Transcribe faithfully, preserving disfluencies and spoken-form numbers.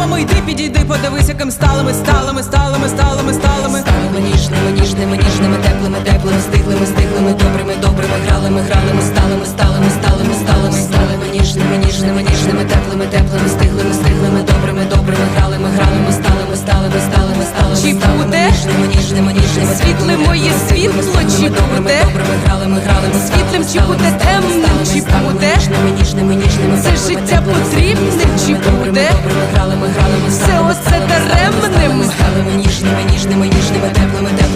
Мамо, йди, підійди, подивись, яким сталими, сталими, сталими, сталими, сталими. Сталими ніжними, ніжними, ніжними, теплими, теплими, стиглими, стиглими, добрими, добрими, гралими, гралими, сталими, сталими, сталими, сталими, сталими ніжними, ніжними, ніжними, теплими, теплими, стиглими, стиглими, добрими, добрими, гралими, гралими, сталими, сталими, сталими, сталими, Чи буде? ніжними, ніжними, ніжними, Світле моє світло, чи буде? добрими, гралими, гралими, Світлим чи буде, темним чи буде? ніжними, ніжними, Це життя потрібне чи буде? добрими, гралими, гралими, Все оце даремним? сталими, ніжними, ніжними, ніжними, теплими, теплими.